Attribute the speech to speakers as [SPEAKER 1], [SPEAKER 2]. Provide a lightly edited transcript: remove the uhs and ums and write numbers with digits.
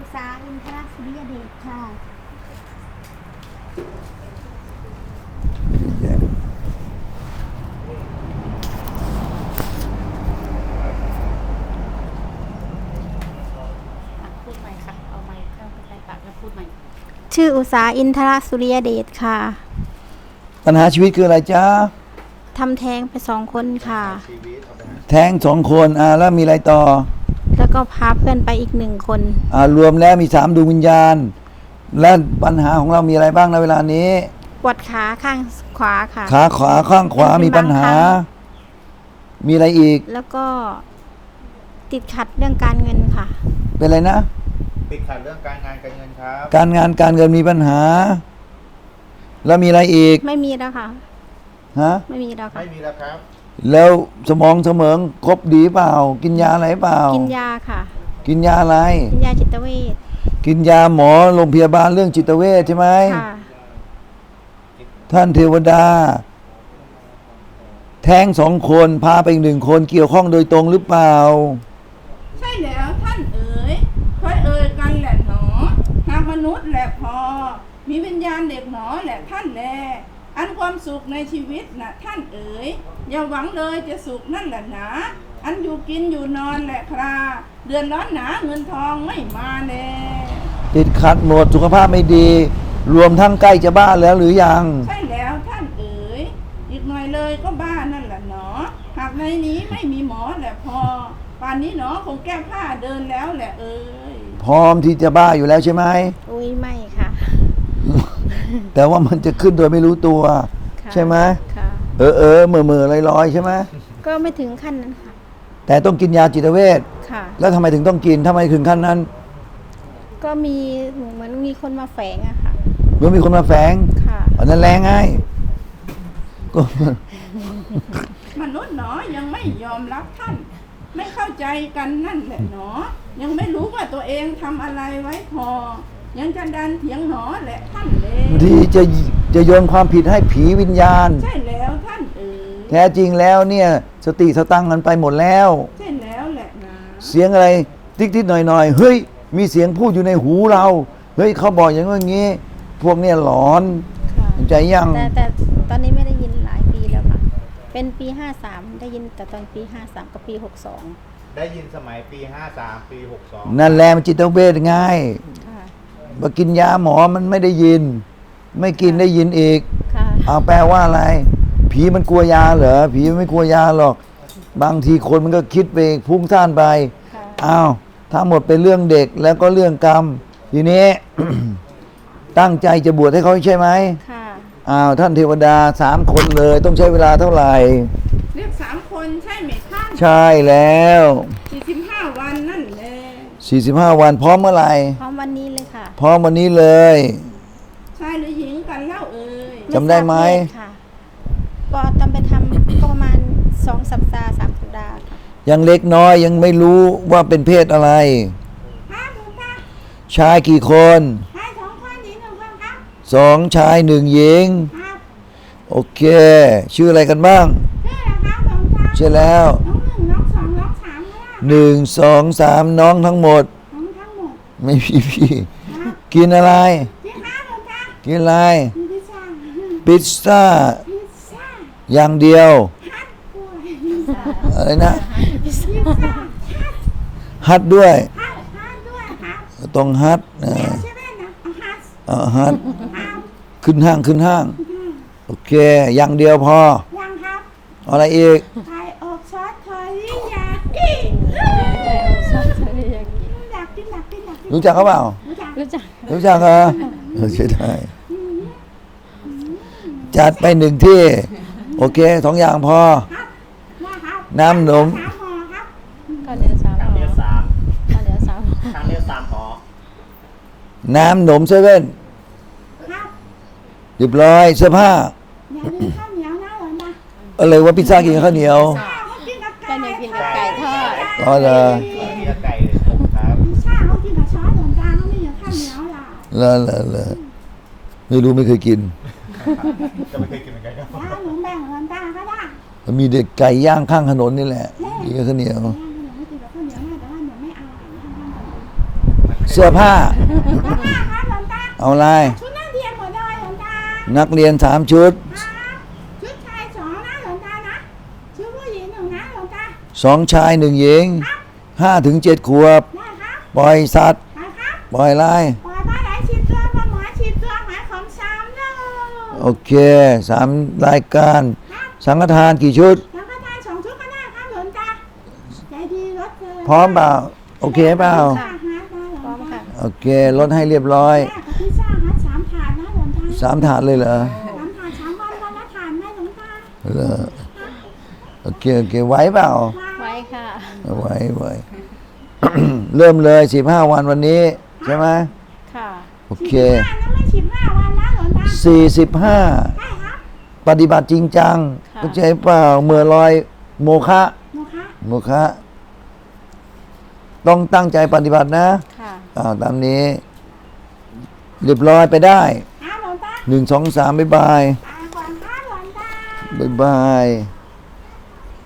[SPEAKER 1] ษาอินทรสุริยเดชค่ะ
[SPEAKER 2] พูดใหม่ค่ะเอาไมค์เข้าไปใกล้ปากแล้วพูดใหม่
[SPEAKER 1] ชื่ออุษาอินทรสุริยเดชค่ะ
[SPEAKER 3] ปัญหาชีวิตคืออะไรจ๊ะ
[SPEAKER 1] ทำแท้งไป2 คนค่ะ
[SPEAKER 3] แท้ง2 คนแล้วมีอะไรต่อ
[SPEAKER 1] แล้วก็พาเพื่อนไปอีก1 คน
[SPEAKER 3] รวมแล้วมี3ดวงวิญญาณและปัญหาของเรามีอะไรบ้างในเวลานี้
[SPEAKER 1] ปวดขาข้างขวาค่ะ
[SPEAKER 3] ขาขวาข้างขวามีปัญหามีอะไรอีก
[SPEAKER 1] แล้วก็ติดขัดเรื่องการเงินค่ะ
[SPEAKER 3] เป็นอะไรนะ
[SPEAKER 4] ติดขัดเรื่องการงานการเงินครับ
[SPEAKER 3] การงานการเงินมีปัญหาแล้วมีอะไรอีก
[SPEAKER 1] ไม่มีแล้วค่ะไม่มีแล้วค่ะ
[SPEAKER 4] ไม่มีแล้วครับ
[SPEAKER 3] แล้วสมองเสมองครบดีเปล่ากินยาอะไรเปล่า
[SPEAKER 1] กินยาค่ะ
[SPEAKER 3] กินยาอะไร
[SPEAKER 1] กินยาจิตเวช
[SPEAKER 3] กินยาหมอโรงพยาบาลเรื่องจิตเวชใช่ไหม
[SPEAKER 1] ค่ะ
[SPEAKER 3] ท่านเทวดาแท้ง2 คนพาไปอีก1 คนเกี่ยวข้องโดยตรงหรือเปล่า
[SPEAKER 5] ใช่แล้วท่านเอ๋ยค่อยเอ่ยกันแหละหนอหากมนุษย์แหละพอมีวิญญาณเด็กหนอแหละท่านแลอันความสุขในชีวิตนะท่านเอ๋ยอย่าหวังเลยจะสุขนั่นแหละนะอันอยู่กินอยู่นอนแหละคราเดือนร้อนหนาเงินทองไม่มาแล
[SPEAKER 3] ติดขัดหมดสุขภาพไม่ดีรวมทั้งใกล้จะบ้าแล้วหรือยัง
[SPEAKER 5] ใช่แล้วท่านเอ๋ยอีกหน่อยเลยก็บ้านั่นแหละหนอหากในนี้ไม่มีหมอแหละพอป่านนี้หนอคงแก้ผ้าเดินแล้วแหละเอ๋ย
[SPEAKER 3] พร้อมที่จะบ้าอยู่แล้วใช่ไหม
[SPEAKER 1] อุ้ยไม่ค่ะ
[SPEAKER 3] แต่ว่ามันจะขึ้นโดยไม่รู้ตัวใช่ไหม
[SPEAKER 1] ค่ะ
[SPEAKER 3] เมื่อลอยๆใช่ไหม
[SPEAKER 1] ก็ไม่ถึงขั้นนั้นค่ะ
[SPEAKER 3] แต่ต้องกินยาจิตเวช
[SPEAKER 1] ค่ะ
[SPEAKER 3] แล้วทำไมถึงต้องกินทำไมถึงขั้นนั้น
[SPEAKER 1] ก็มีเหมือนมีคนมาแฝงอะค่ะ
[SPEAKER 3] เมื่อมีคนมาแฝง
[SPEAKER 1] ค่ะ
[SPEAKER 3] อันนั้นแรงไงก็
[SPEAKER 5] มนุษย์หนอยังไม่ยอมรับท่านไม่เข้าใจกันนั่นแหละหนอยังไม่รู้ว่าตัวเองทำอะไรไว้พอยังจะดันเถียงหนอแหละท่านเลย
[SPEAKER 3] ที่จะโยนความผิดให้ผีวิญญาณ
[SPEAKER 5] ใช่แล้วท่าน
[SPEAKER 3] แท้จริงแล้วเนี่ยสติสตังกันไปหมดแล้ว
[SPEAKER 5] ใช่แล้วแหละนะ
[SPEAKER 3] เสียงอะไรติ๊กๆหน่อยๆเฮ้ยมีเสียงพูดอยู่ในหูเราเฮ้ยเขาบอกอย่างงี้พวกเนี่ยหลอนใจยัง
[SPEAKER 1] แต่ตอนนี้ไม่ได้ยินหลายปีแล้วค่ะเป็นปี53ได้ยินแต่ตอนปี53กับปี62
[SPEAKER 4] ได้ยินสมัยปี53ปี62
[SPEAKER 3] นั่นแหละมันจิตเวชง่ายมากินยาหมอมันไม่ได้ยินไม่กินได้ยินอีกแปลว่าอะไรผีมันกลัวยาเหรอผีไม่กลัวยาหรอกบางทีคนมันก็คิดไปพุ่งซ่านไปทั้งหมดเป็นเรื่องเด็กแล้วก็เรื่องกรรมทีนี้ ตั้งใจจะบวชให้เขาใช่ไหมท่านเทวดา3 คนเลยต้องใช้เวลาเท่าไหร่
[SPEAKER 5] เรียก3 คนใช่ไหมท่าน
[SPEAKER 3] ใช่แล้ว
[SPEAKER 5] 45 วันนั่นแหละ
[SPEAKER 3] 45 วันพร้อมเมื่อไหร่
[SPEAKER 1] พร้อมวันนี้เลยค่ะ
[SPEAKER 3] พร้อมวันนี้เลย
[SPEAKER 5] ชายหรือหญิงกันเล่าเอ่ย
[SPEAKER 3] จำได้ไหม
[SPEAKER 1] ก็ตอนไปทำก็ประมาณ2 สัปดาห์3 สัปดาห์ค่ะ
[SPEAKER 3] ยังเล็กน้อยยังไม่รู้ว่าเป็นเพศอะไรชายกี่คน
[SPEAKER 5] ชาย2 คนหญิง1 คนครับ
[SPEAKER 3] 2 ชาย 1 หญิงโอเคชื่ออะไรกันบ้างชื่อแล้ว1 2 3น้องทั้งหมดไม่พี่กินอะไรกินอะไรพิซซ่าอย่างเดียวอะไรนะฮัทด้วยต้องฮัทฮัทขึ้นห้างโอเคอย่างเดียวพออะไรอีก
[SPEAKER 5] ไข่อบซอสเทอริยากิ
[SPEAKER 3] รู้จักเขาเปล่ารู้จักเหรอใช่ได้จัดไป1 ที่โอเค2 อย่างพอน้ำหนม
[SPEAKER 2] ข้าวเหนียว3
[SPEAKER 4] หอ
[SPEAKER 3] น้ำหนม7เรียบร้อยเสื้อผ้าอะไรว่าพิซซ่ากินกับข้าวเหนียว
[SPEAKER 2] ข้าวเหนียวกินกับไก่ทอด
[SPEAKER 3] เหรอ
[SPEAKER 4] ไก่ครับ
[SPEAKER 5] พิซซ่าเขากินกับซอสเหมือนกันเขาไม่กินข้าวเหนียว
[SPEAKER 3] ล่ะไม่รู้ไม่เคยกิน
[SPEAKER 4] ก็ไม่เคยกินเหมือนกันครับ
[SPEAKER 5] หนูแบ่งกันตาก็ได้
[SPEAKER 3] มีเด็กไก่ย่างข้างถนนนี่แหละกินกับข้าวเหนียวเสื้อผ้า
[SPEAKER 5] หลวงตาครับหลวงตา
[SPEAKER 3] เอาอะไร
[SPEAKER 5] ชุดนักเรียนหมดเลยหลวงตา
[SPEAKER 3] นักเรียน3 ชุด
[SPEAKER 5] ครับชุดชาย2นะหลวงตานะชุดผู้หญิง1นะหลวงตา
[SPEAKER 3] 2 ชาย 1 หญิง 5 ถึง 7 ขวบ
[SPEAKER 5] ได้ครับ
[SPEAKER 3] ปล่อยสัตว์
[SPEAKER 5] ไปครับ
[SPEAKER 3] ปล่อยอะไร
[SPEAKER 5] ปล่อยปลาไหล10 ตัวปลาหมอ10 ตัวหมายของ3โล
[SPEAKER 3] โอเค 3 รายการ
[SPEAKER 5] ครับ
[SPEAKER 3] สังฆทานกี่ชุด
[SPEAKER 5] แล้วก็ได้2 ชุดก็ได้ครับหลวงตาใจดีลดเลย
[SPEAKER 3] พร้อมเปล่า โอเคเปล่า
[SPEAKER 5] ค่ะ
[SPEAKER 2] พร้อมค่ะ
[SPEAKER 3] โอเค ลดให้เรียบร้อย
[SPEAKER 5] แม่กับพิซซ่าฮัท3 ถาดนะหลวงตา
[SPEAKER 3] 3 ถาดเลยเหรอ
[SPEAKER 5] 3 ถาด3 วันละถาดไหมหลวงตา
[SPEAKER 3] เหรอโอเค โอเค ไหวเปล่า
[SPEAKER 2] ไว้ค่ะ
[SPEAKER 3] ไหว เริ่มเลย 15 วันวันนี้ ใช่ไหม
[SPEAKER 2] ค่ะ
[SPEAKER 3] โอเค
[SPEAKER 5] 15นะไม่15 วันนะหลวงตา
[SPEAKER 3] 45
[SPEAKER 5] ได้ครับ
[SPEAKER 3] ปฏิบัติจริงจัง
[SPEAKER 2] ค่ะ
[SPEAKER 3] เข้าใจเปล่าเมื่อลอยโมฆะ
[SPEAKER 5] หนูคะ
[SPEAKER 3] โมฆะต้องตั้งใจปฏิบัตินะ
[SPEAKER 2] ค่ะ
[SPEAKER 3] ตามนี้ เรียบร้อยไปได้
[SPEAKER 5] หลวงตา
[SPEAKER 3] 1 2 3 บ๊ายบาย
[SPEAKER 5] ตาก่อนค่ะหลวงตา
[SPEAKER 3] บ๊ายบาย